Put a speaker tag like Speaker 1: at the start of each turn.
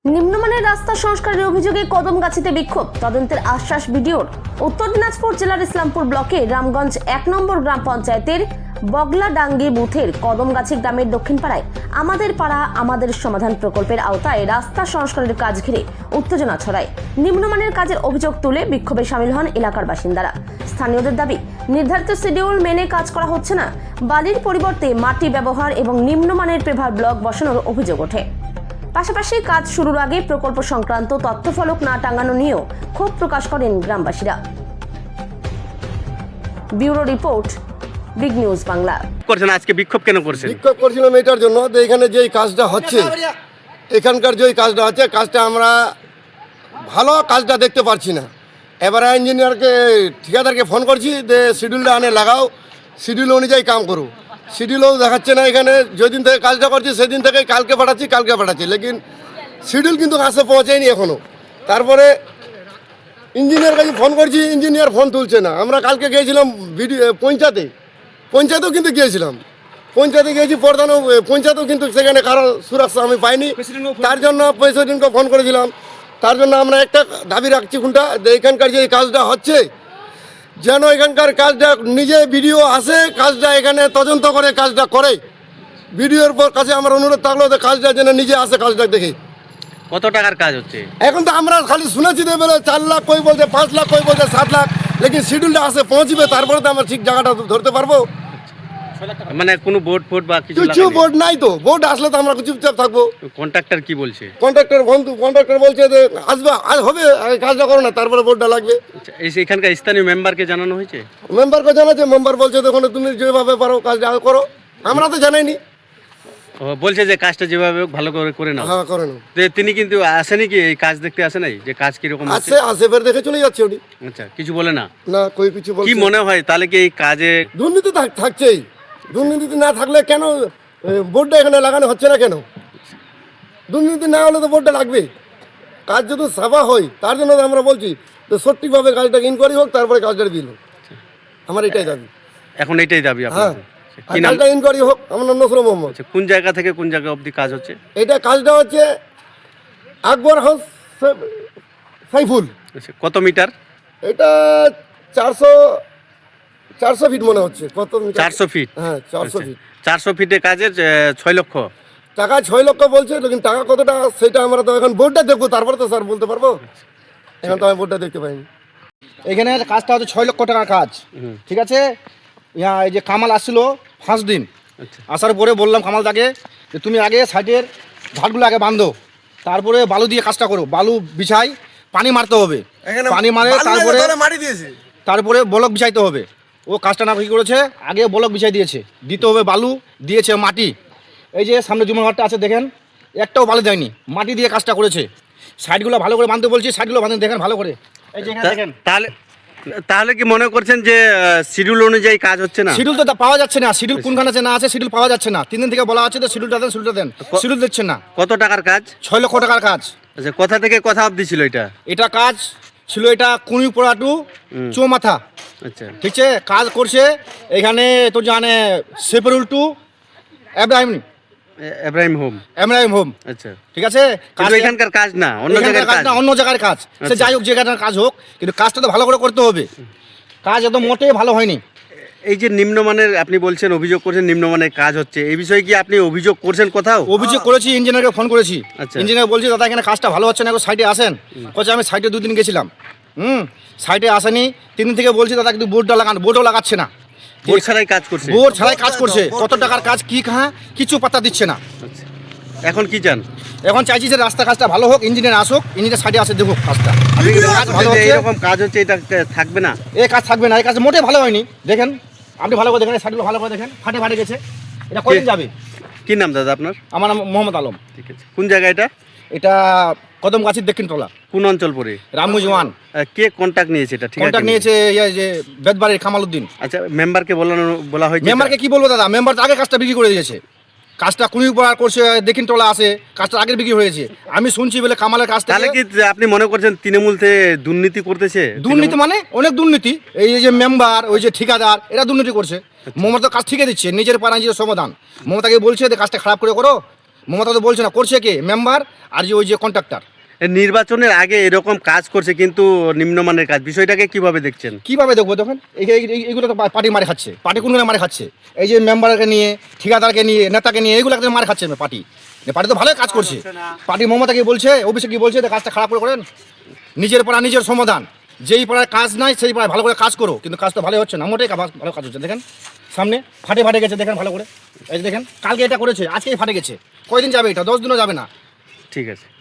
Speaker 1: নিম্নমানের রাস্তা সংস্কারের অভিযোগে কদমগাছিতে বিক্ষোভ, তদন্তের আশ্বাস ভিডিওর। উত্তর দিনাজপুর জেলার ইসলামপুর ব্লকে রামগঞ্জ 1 নম্বর গ্রাম পঞ্চায়েতের বগলাডাঙ্গি বুথের কদমগাছি গ্রামের দক্ষিণ পাড়ায় আমাদের পাড়া আমাদের সমাধান প্রকল্পের আওতায় রাস্তা সংস্কারের কাজ ঘিরে উত্তেজনা ছড়ায়। নিম্নমানের কাজের অভিযোগ তুলে বিক্ষোভে সামিল হন এলাকার বাসিন্দারা। স্থানীয়দের দাবি, নির্ধারিত শিডিউল মেনে কাজ করা হচ্ছে না, বালির পরিবর্তে মাটি ব্যবহার এবং নিম্নমানের পেভার ব্লক বসানোর অভিযোগ ওঠে। পাশাপাশি কাজ শুরুর আগে প্রকল্প সংক্রান্ত তথ্যফলক না টাঙানো নিয়েও ক্ষোভ প্রকাশ করেন গ্রামবাসীরা। Bureau report, big news Bangla.
Speaker 2: করছেন আজকে বিক্ষোভ কেন করছেন?
Speaker 3: বিক্ষোভ করছিলাম এটার জন্য যে এখানে যেই কাজটা হচ্ছে, এখানকার যেই কাজটা হচ্ছে, কাজটা আমরা ভালো কাজটা দেখতে পারছি না। এবারে ইঞ্জিনিয়ারকে ঠিকাদারকে ফোন করছি যে শিডিউলটা আনে লাগাও, শিডিউল অনুযায়ী কাম করো। শিডিউলও দেখাচ্ছে না। এখানে যেদিন থেকে কাজটা করছি সেদিন থেকে কালকে পাঠাচ্ছি, লেকিন শিডিউল কিন্তু কাছে পৌঁছায়নি এখনও। তারপরে ইঞ্জিনিয়ার কাছে ফোন করছি, ইঞ্জিনিয়ার ফোন তুলছে না। আমরা কালকে গিয়েছিলাম পঞ্চায়েতেও কিন্তু গিয়েছিলাম, পঞ্চায়েতে গিয়েছি প্রধানও, পঞ্চায়েতেও কিন্তু সেখানে কারো সুরক্ষা আমি পাইনি। তার জন্য প্রেসিডেন্টকে ফোন করেছিলাম। তার জন্য আমরা একটা দাবি রাখছি কোনটা, যে এখানকার যে কাজটা হচ্ছে যেন এখানকার কাজটা নিজে ভিডিও আসে, কাজটা এখানে তদন্ত করে কাজটা করে। ভিডিওর পর কাছে আমার অনুরোধ থাকলো যে কাজটা যেন নিজে আসে, কাজটা দেখে।
Speaker 2: কত টাকার কাজ হচ্ছে?
Speaker 3: এখন তো আমরা খালি শুনেছি যে বলে 4 লাখ, কই বলছে 5 লাখ, কই বলছে 7 লাখ, লেকিন শিডিউলটা আসে পৌঁছবে, তারপরে তো আমরা ঠিক জায়গাটা ধরতে পারবো।
Speaker 2: মানে কোনো বোর্ড ফোর্ড বা কিছু
Speaker 3: কিছু বোর্ড নাই তো, বোর্ড আসলে তো আমরা চুপচাপ থাকবো।
Speaker 2: কন্ট্রাক্টর কি বলছে?
Speaker 3: কন্ট্রাক্টর বলছে যে আসবে, আজ হবে, আগে কাজটা করো না, তারপরে বোর্ডটা লাগবে।
Speaker 2: এখানকার স্থানীয় মেম্বারকে জানানো হয়েছে?
Speaker 3: মেম্বারকে জানাচ্ছে, মেম্বার বলছে দেখুন তুমি যেভাবে পারো কাজটা করো। আমরা তো জানাইনি।
Speaker 2: বলছে যে কাজটা যেভাবে ভালো করে করে নাও।
Speaker 3: হ্যাঁ, করে নাও।
Speaker 2: তিনি কিন্তু আসেনি কি এই কাজ দেখতে আসে নাই, যে কাজ কিরকম আছে?
Speaker 3: আসে বের দেখে চলে যাচ্ছে উনি।
Speaker 2: আচ্ছা, কিছু বলে না?
Speaker 3: না, কই কিছু বলছে।
Speaker 2: কি মনে হয় তাহলে কি এই কাজে
Speaker 3: দুর্নীতি থাকছেই। দুর্নীতি না থাকলে কেন বোর্ডটা এখানে লাগানো হচ্ছে না কেন? দুর্নীতি না হলে তো বোর্ডটা লাগবে। কাজ যদি সাফা হয়, তার জন্য তো আমরা বলছি যে সঠিকভাবে কাজটাকে ইনকোয়ারি হোক, তারপরে কাজটা দিল। আমার এটাই দাবি।
Speaker 2: এখন এটাই দাবি
Speaker 3: হ্যাঁ,
Speaker 2: আপনার? কি নাম?
Speaker 3: কাজটা ইনকোয়ারি হোক। আমার নাম নসরুল মোহাম্মদ।
Speaker 2: কোন জায়গা থেকে কোন জায়গা অবধি কাজ হচ্ছে?
Speaker 3: এটা কাজটা হচ্ছে আকবর হাউস সাইফুল।
Speaker 2: আচ্ছা, কত মিটার?
Speaker 3: এটা 400 ফিট মনে হচ্ছে। কত মিটার?
Speaker 2: 400 ফিট।
Speaker 3: হ্যাঁ, 400 ফিট।
Speaker 2: 400 ফিটে কাজের 6 লক্ষ
Speaker 3: টাকা 6 লক্ষ বলছে, লেকিন টাকা কত টাকা সেটা আমরা তো এখন বোর্ডটা দেখবো, তারপরে তো স্যার বলতে পারবো। এখন তো আমি বোর্ডটা দেখতে পাইনি।
Speaker 4: এখানে কাজটা হচ্ছে 6 লক্ষ টাকার কাজ। ঠিক আছে, এই যে কামাল আসছিল 5 দিন।
Speaker 2: আচ্ছা,
Speaker 4: আসার পরে বললাম কামালদাকে যে তুমি আগে সাইডের ঘাটগুলো আগে বাঁধো, তারপরে বালু দিয়ে কাজটা করো। বালু বিছাই, পানি মারতে হবে, পানি মারে তারপরে ব্লক বিছাইতে হবে। ও কাজটা না কি করেছে, আগে ব্লক বিছাই দিয়েছে, দিতে হবে বালু, দিয়েছে মাটি। এই যে সামনে জুমার ঘরটা আছে দেখেন, একটাও বালু দেয়নি, মাটি দিয়ে কাজটা করেছে। সাইডগুলো ভালো করে বাঁধতে বলছি, সাইডগুলো বাঁধতে দেখেন ভালো করে। এই যে এখানে দেখেন।
Speaker 2: তাহলে কি মনে করছেন যে শিডিউল অনুযায়ী কাজ হচ্ছে না?
Speaker 4: শিডিউল তো পাওয়া যাচ্ছে না। শিডিউল কোনখানে আছে না আছে শিডিউল পাওয়া যাচ্ছে না। 3 দিন থেকে বলা আছে যে শিডিউলটা দেন, শিডিউল দিচ্ছেন না।
Speaker 2: কত টাকার কাজ?
Speaker 4: 6 লক্ষ টাকার কাজ।
Speaker 2: আচ্ছা, কোথা থেকে কথা অবধি ছিল এটা?
Speaker 4: এটা কাজ ছিল, এটা কুনিপড়া টু চৌমাথা।
Speaker 2: আচ্ছা,
Speaker 4: ঠিক আছে, কাজ করছে এখানে তো জানে সেপারুল টু
Speaker 2: এব্রাহিম হোম। আচ্ছা,
Speaker 4: ঠিক আছে,
Speaker 2: কিন্তু এখানকার কাজ না, অন্য জায়গার কাজ।
Speaker 4: অন্য জায়গার কাজ। সে যাই হোক, যেখানকার কাজ হোক, কিন্তু কাজটা তো ভালো করে করতে হবে। কাজ একদম মোটেই ভালো হয়নি।
Speaker 2: এই যে নিম্নমানের, আপনি বলছেন অভিযোগ করছেন নিম্নমানের কাজ হচ্ছে, এই বিষয়ে কি আপনি অভিযোগ করছেন কোথাও?
Speaker 4: অভিযোগ করেছি, ইঞ্জিনিয়ারকে ফোন করেছি।
Speaker 2: আচ্ছা।
Speaker 4: ইঞ্জিনিয়ার বলছি দাদা এখানে কাজটা ভালো হচ্ছে না, সাইডে আসেন। বলছে আমি সাইডে 2 দিন গেছিলাম, সাইডে আসেনি। 3 দিন থেকে বলছি দাদা কিন্তু বোর্ডটা লাগান, বোর্ডও লাগাচ্ছে না।
Speaker 2: বোর্ড ছাড়াই কাজ করছে?
Speaker 4: বোর্ড ছাড়াই কাজ করছে। কত টাকার কাজ, কি কিছু পাত্তা দিচ্ছে না।
Speaker 2: আচ্ছা, এখন কি চান?
Speaker 4: এখন চাইছি যে রাস্তা কাজটা ভালো হোক, ইঞ্জিনিয়ার আসুক, ইঞ্জিনিয়ার সাইডে আসে দেখুক কাজটা।
Speaker 2: আপনি কি
Speaker 4: কাজ ভালো
Speaker 2: বলছেন যে
Speaker 4: হচ্ছে,
Speaker 2: এরকম কাজ হচ্ছে, এটা থাকবে না?
Speaker 4: এই কাজ থাকবে না, এই কাজ মোটেই ভালো হয়নি। দেখেন, আপনি ভালো করে দেখেন, সাইডগুলো ভালো করে দেখেন, ফাটে গেছে। এটা কদিন যাবে?
Speaker 2: কি নাম দাদা আপনার?
Speaker 4: আমার নাম মোহাম্মদ আলম।
Speaker 2: ঠিক আছে, কোন জায়গা এটা?
Speaker 4: এটা কদমগাছির দক্ষিণ টলা,
Speaker 2: কোন অঞ্চল পড়ে?
Speaker 4: রামগঞ্জ 1।
Speaker 2: কে কন্ট্যাক্ট নিয়েছে এটা? ঠিক আছে,
Speaker 4: কন্ট্যাক্ট নিয়েছে এই যে বেদবাড়ির কামালউদ্দিন।
Speaker 2: আচ্ছা, মেম্বারকে বলা হয়েছে?
Speaker 4: মেম্বারকে কি বলবো দাদা, মেম্বার তো আগে কাজটা বিক্রি করে দিয়েছে। কাজটা কুড়িপাড়া করছে, দক্ষিণ টলা আছে, কাজটা আগের বিক্রি হয়েছে। আমি শুনছি বলে কামালের কাজটা।
Speaker 2: তাহলে কি আপনি মনে করছেন তৃণমূল থেকে দুর্নীতি করতেছে?
Speaker 4: দুর্নীতি মানে অনেক দুর্নীতি। এই যে মেম্বার, ওই যে ঠিকাদার, এরা দুর্নীতি করছে। মমতা কাজ ঠিকই দিচ্ছে, নিজের পাড়া নিজের সমাধান। মমতাকে বলছে যে কাজটা খারাপ করে করো, মমতা তো বলছে না, করছে কে? মেম্বার আর যে ওই যে কন্ট্রাক্টর।
Speaker 2: নির্বাচনের আগে এরকম কাজ করছে কিন্তু নিম্নমানের কাজ, বিষয়টাকে কিভাবে দেখছেন?
Speaker 4: কীভাবে দেখবো দেখুন? এইগুলো তো পার্টি মারে খাচ্ছে, পার্টি কোন মারে খাচ্ছে? এই যে মেম্বারকে নিয়ে, ঠিকাদারকে নিয়ে, নেতাকে নিয়ে, এইগুলো মারে খাচ্ছে পার্টি। পার্টি তো ভালোই কাজ করছে। পার্টি মমতা কি বলছে, অভিষেক কি বলছে যে কাজটা খারাপ করে করেন? নিজের পাড়া নিজের সমাধান। যেই পাড়ায় কাজ নাই সেই পাড়ায় ভালো করে কাজ করো, কিন্তু কাজ তো ভালোই হচ্ছে না, মোটেই ভালো কাজ হচ্ছে। দেখেন সামনে ফাটে গেছে, দেখেন ভালো করে। এই যে দেখেন, কালকে এটা করেছে, আজকেই ফাটে গেছে। কয়দিন যাবে এটা? 10 দিনও যাবে না।
Speaker 2: ঠিক আছে।